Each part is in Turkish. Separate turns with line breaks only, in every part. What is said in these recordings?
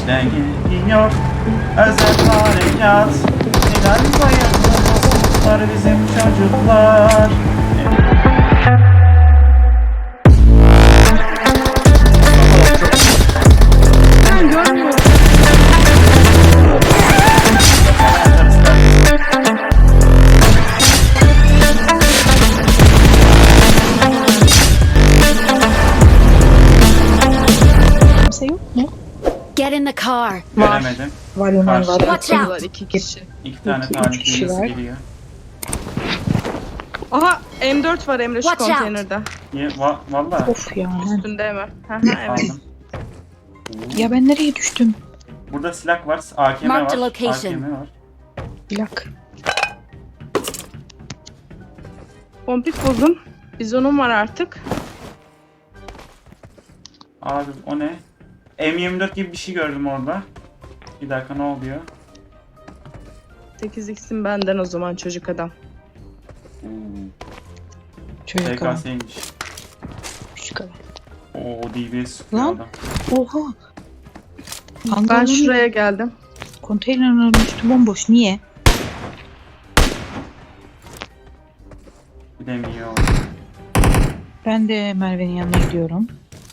İşte gidiyor özel harekat. Hilal sayılır bizim çocuklar.
Ben görmüyorum.
Kimse yok mu?
Get in the car.
Göremedim.
Var Ömer var.
Watch out.
Var 2 kişi.
İki tane
İki,
talih
üç kişi
hilesi
var.
geliyor.
Aha M4 var Emre şu
Watch out.
konteynerde.
Valla
Of ya.
Üstünde mi? Hı evet.
aldım.
Ya ben nereye düştüm?
Burada silah var, AKM
Mark the
var.
location.
AKM var.
Plak.
Pompik bozun. Bizonum var artık.
Abi o ne? M24 gibi bir şey gördüm orada. Bir dakika ne oluyor?
8x'im benden o zaman çocuk adam.
Çocuk adam.
TKS'ymiş.
Küçük adam.
Oo DBS sıkıyor
Lan.
adam.
Oha.
Ben
Hangarın
şuraya geldim.
konteynerin üstü bomboş. Niye?
Bilemiyor.
Ben de Merve'nin yanına gidiyorum.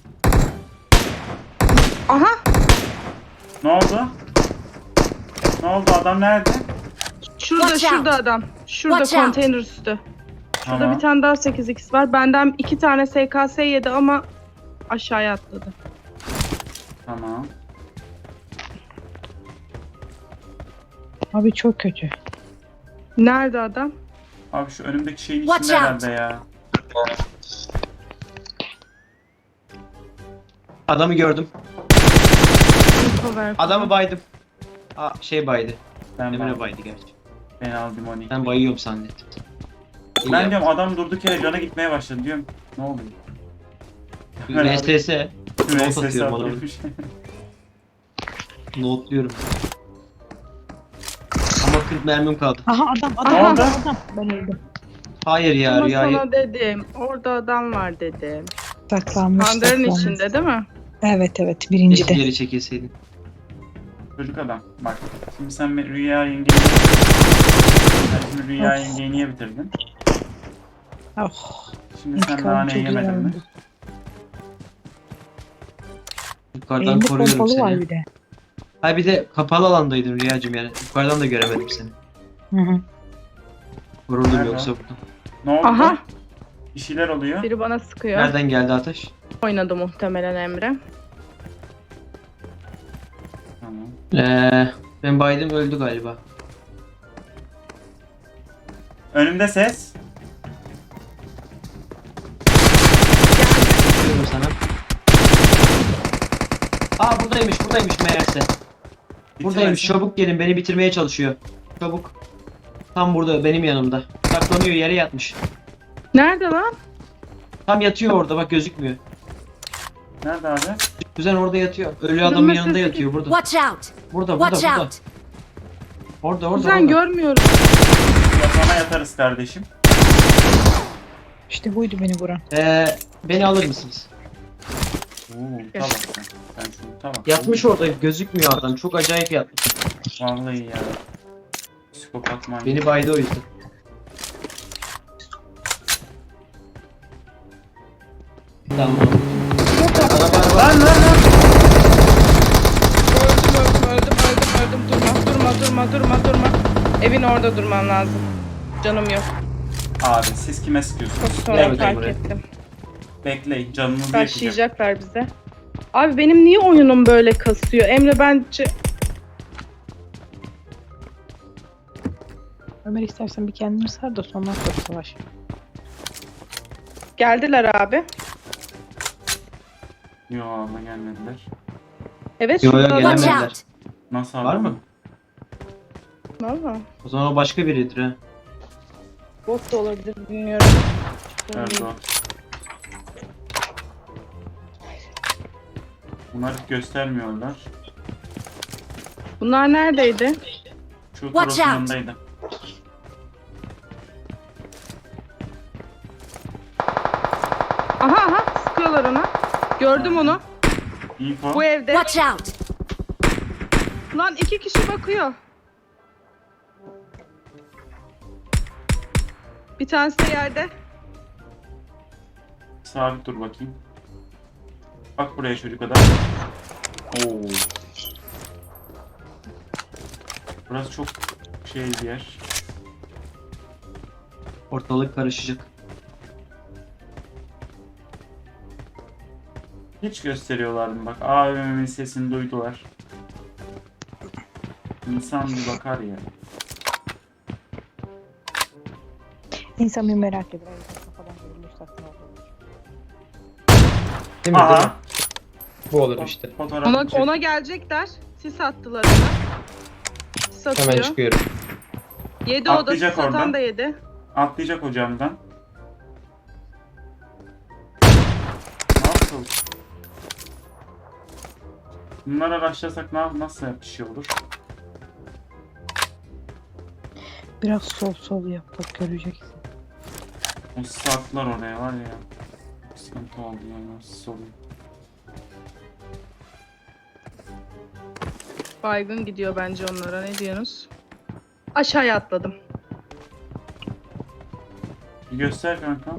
Aha!
Ne oldu? Ne oldu? Adam nerede?
Şurada
Watch
şurada
out.
adam. Şurada
Watch out.
konteyner üstü. Şurada
Tamam.
bir tane daha 8x var. Benden 2 tane SKS yedi ama aşağıya atladı.
Tamam.
Abi çok kötü.
Nerede adam?
Abi şu önümdeki şeyin
Watch
içinde
out.
herhalde ya.
Adamı gördüm.
Info ver.
Adamı baydım. Baydı.
Ben
Emre
aldım.
baydı gerçi.
Ben aldım onu.
Ben bayıyorum zannettim. İyi
Ben
yaptın.
diyorum adam durduk yere cana gitmeye başladı diyorum. Ne oluyor?
VSS. Not
VSS
atıyorum adamı.
atıyormuş.
Notluyorum. Ama 40 mermim kaldı.
Aha adam
Ne
adam
oldu?
adam. Ben öldüm.
Hayır ya
Ama
rüyayı.
sana dedim. Orada adam var dedim.
Saklanmış.
Hangarın
saklanmış.
içinde değil mi?
Evet evet birinci
Keşke
de.
geri çekilseydin.
Çocuk adam. Bak. Şimdi sen Rüya yengeyi... Sen şimdi Rüya
Of.
yengeyi niye bitirdin?
Oh.
Şimdi sen
İntikam
nane
çok iyi
yemedin mi?
oldu.
Yukarıdan
Elimde
koruyorum
pompalı var
seni.
bir de.
Ha bir de kapalı alandaydın Rüyacığım yani. Yukarıdan da göremedim seni.
Hı hı.
Vuruldum
Nerede?
yoksa burada.
Ne oldu?
Aha!
Bir şeyler oluyor.
Biri bana sıkıyor.
Nereden geldi ateş?
Oynadı muhtemelen Emre.
Tamam.
Ben baydım öldü galiba.
Önümde ses.
Bakıyorum sana. Buradaymış meğerse. Buradaymış, çabuk gelin, beni bitirmeye çalışıyor. Çabuk. Tam burada, benim yanımda. Saklanıyor, yere yatmış.
Nerede lan?
Tam yatıyor orada, bak gözükmüyor.
Nerede abi?
Kuzen orada yatıyor. Ölü adamın
Kırmızı
yanında
sesi
yatıyor burada.
Watch out.
Burada.
Watch out.
Orada.
Kuzen görmüyorum.
Yatağına yatarız kardeşim.
İşte buydu beni vuran.
Beni alır mısınız?
Oo, tabak sen. Sen şunu tabak.
Yatmış orada, gözükmüyor adam. Çok acayip yatmış.
Vallahi ya. Psikopat manyak.
Beni baydı o yüzden. Tamam. Araba.
Lan!
Öldüm. Durma. Evin orada durman lazım. Canım yok.
Abi siz kime sıkıyorsunuz?
Çok sonra
Evet,
fark
Emre.
ettim.
Bekleyin canınızı yakacak.
Başlayacaklar bize. Abi benim niye oyunum böyle kasıyor? Emre bence...
Ömer istersen bir kendini sar da sonra savaş.
Geldiler abi.
Yo ama gelmediler.
Evet
Yo,
şurada
yo,
adam
Watch
gelemediler.
out.
Nasıl abi?
Var mı?
Valla.
O zaman o başka biridir ha.
Bot da olabilir bilmiyorum.
Evet o. Bunlar hiç göstermiyorlar.
Bunlar neredeydi?
Şu
Watch
Toros'un
out.
yanındaydı.
Aha sıkıyorlar ona. Gördüm onu.
Info.
Bu evde.
Watch out.
Lan 2 kişi bakıyor. Bir tanesi de yerde.
Sabit dur bakayım. Bak buraya çocuk adam. Oo. Burası çok şey bir yer.
Ortalık karışacak.
Hiç gösteriyorlardı bak. AVM'nin sesini duydular. İnsan bir bakar ya.
İnsan bir merak eder. Kafadan görülmüş satın olur.
Değil mi? Değil mi?
Aha.
Bu olur işte.
Fotoğraf çek.
Ona gelecekler. Sis attılar ona. Sis atıyor.
Hemen çıkıyorum.
Yedi o da,
Atlayacak
sis atan
oradan.
da yedi.
Atlayacak hocamdan. Nasıl? Bunlara başlasak nasıl bir şey olur?
Biraz sol yap bak göreceksin.
O saklar oraya var ya. Sıkıntı oldu ya. Nasıl oluyor?
Baygın gidiyor bence onlara. Ne diyorsunuz? Aşağıya atladım.
Bir göster kankam.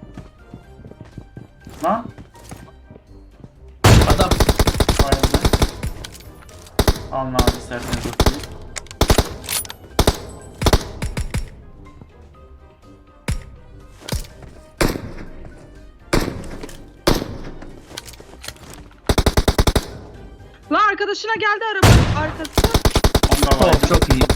Lan.
Adam.
Bayıldı. Alın abi isterseniz okuyun.
Lan arkadaşına geldi araba arkası.
Onda
Tamam
bayıldı.
çok iyi.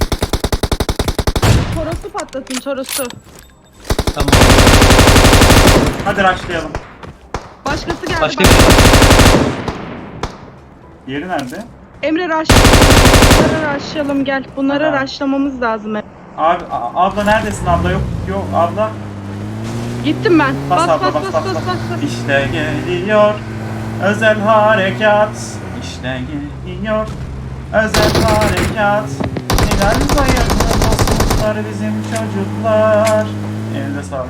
Torosu patlatın torosu.
Tamam.
Hadi rushlayalım.
Başkası geldi.
Başka
bak.
bir şey.
Yeri nerede?
Emre bunları rushlayalım gel. Bunları
Tamam.
rushlamamız lazım.
Abi abla neredesin abla? Yok abla.
Gittim ben.
Bas
Bas
abla
bas
bas
bas
bas
bas
bas.
bas.
İşte geliyor özel harekat. İşte geliyor özel harekat. Neden bayıldı dostluklar bizim çocuklar. Elinde sağlık.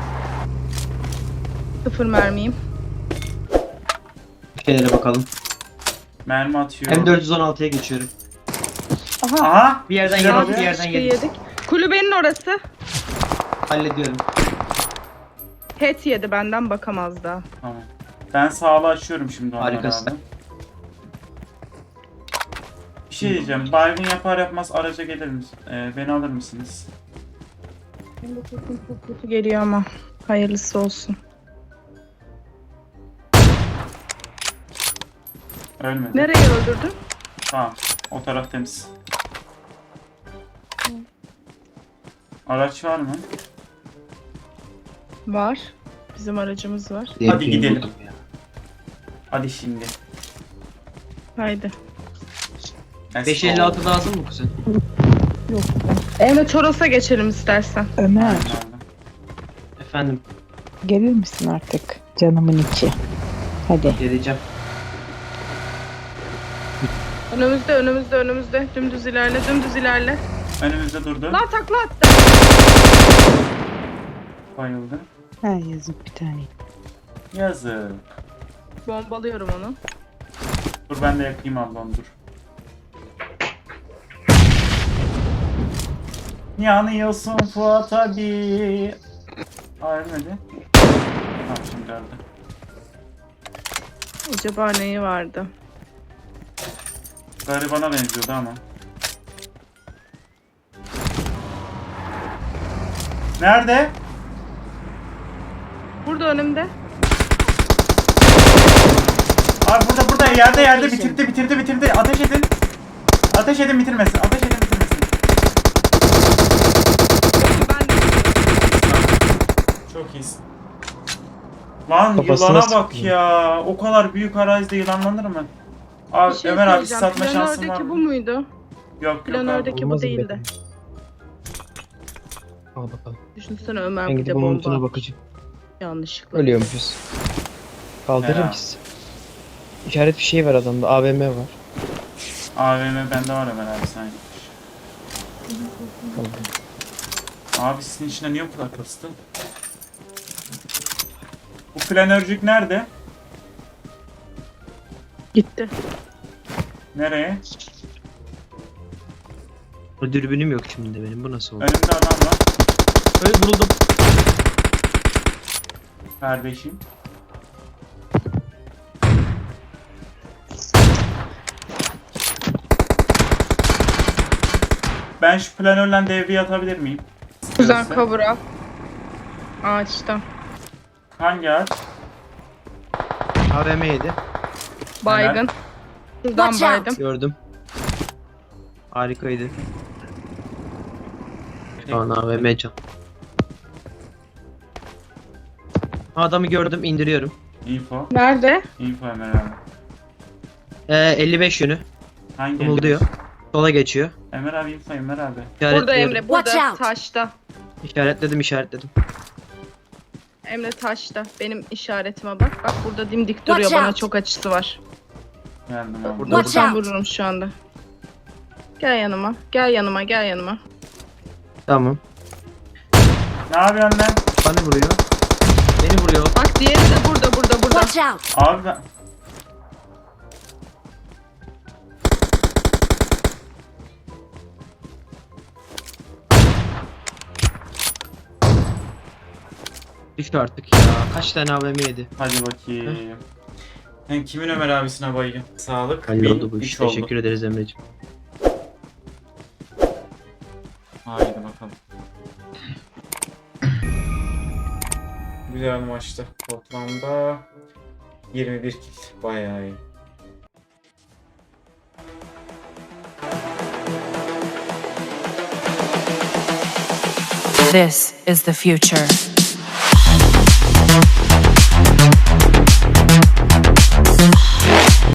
0 mermiyim.
Bir şeylere bakalım.
Mermi atıyor.
M416'ya geçiyorum.
Aha.
Bir yerden
Güzel
yedik,
oluyor.
bir yerden
Şey
yedik.
Kulübenin orası.
Hallediyorum.
Head yedi benden bakamaz daha.
Tamam. Ben sağlığı açıyorum şimdi onlara
Harikasın.
abi. Bir şey diyeceğim. Baygın yapar yapmaz araca gelir misin? Beni alır mısınız?
Benim bu sesim çok kötü geliyor ama hayırlısı olsun.
Ölmedi.
Nereye öldürdün?
Tamam. O taraf temiz. Araç var mı?
Var. Bizim aracımız var.
Hadi gidelim. Hadi şimdi.
Haydi.
556 lazım mı kuzen?
Yok.
Emre Toros'a geçelim istersen.
Ömer
Efendim,
gelir misin artık canımın içi? Hadi.
geleceğim.
Önümüzde. Dümdüz ilerle.
Önümüzde durdu.
Lan takla attı.
Bayıldı.
Ha yazık bir tane.
Yazık.
Bombalıyorum onu.
Dur ben de yakayım ablam dur. Yanıyorsun Fuat abi. Aa ölmedi. Tamam şimdi öldü.
Acaba neyi vardı?
Garibana benziyordu ama. Nerede?
Burada önümde.
Abi burada yerde bitirdi. Ateş edin. Ateş edin bitirmesin.
Ben
Çok iyisin. Lan
Kafasına
yılana
sıktım.
bak ya. O kadar büyük arazide yılanlanır mı? Abi
bir şey
Ömer abi
söyleyeceğim.
satma şansın var
Planördeki
mı?
bu muydu?
Yok abi.
Planördeki bu
Olmaz mı
değildi.
Al bakalım.
Düşünsene Ömer
Ben
bir de
gidip onun notuna
bomba.
bakacağım.
Yanlışlıkla.
Ölüyormuşuz. Kaldırır
Ya.
mısın? İşaret bir şey var adamda. AVM var.
AVM bende var Ömer abi sen.
Tamam.
Abi sizin içine niye bu kadar kastı? Bu planörcük nerede?
Gitti.
Nereye?
O dürbünüm yok şimdi benim. Bu nasıl oldu?
Önümde adam var.
Öyle vuruldum.
Kardeşim. Ben şu planörle devreye atabilir miyim?
Güzel
İstiyorsa.
cover al. Ağaçta.
Hangi ağaç?
AVM yedi.
Baygın. Şuradan
Watch out.
baydım.
Gördüm. Harikaydı. Şu an AVM can. Adamı gördüm, indiriyorum.
Info.
Nerede?
Info Ömer abi.
55 yönü.
Hangi
Kımıldıyor. Sola geçiyor.
Emre abi info Emre abi.
Burada
İşaretliyorum.
Emre. Burada.
Watch out.
Taşta.
İşaretledim.
Emre taşta. Benim işaretime bak. Bak burada dimdik
Watch
duruyor. Bana
out.
çok açısı var.
Geldim abi.
Burada.
Watch
Buradan
out.
vururum şu anda. Gel yanıma. Gel yanıma. Gel yanıma.
Tamam.
Ne yapıyorsun lan?
Bana vuruyor. Beni vuruyor.
Bak diğeri de burada.
Watch out!
Abi ben...
Düştü artık ya. Kaç tane AVM yedi?
Hadi bakayım. Ben kimin Ömer abisine bayım? Sağlık.
Halloldu bu
üç
iş.
oldu.
Teşekkür ederiz Emre'ciğim.
Haydi bakalım. Güzel maçtı. Toplamda 21 kill. Bayağı iyi.
This is the future.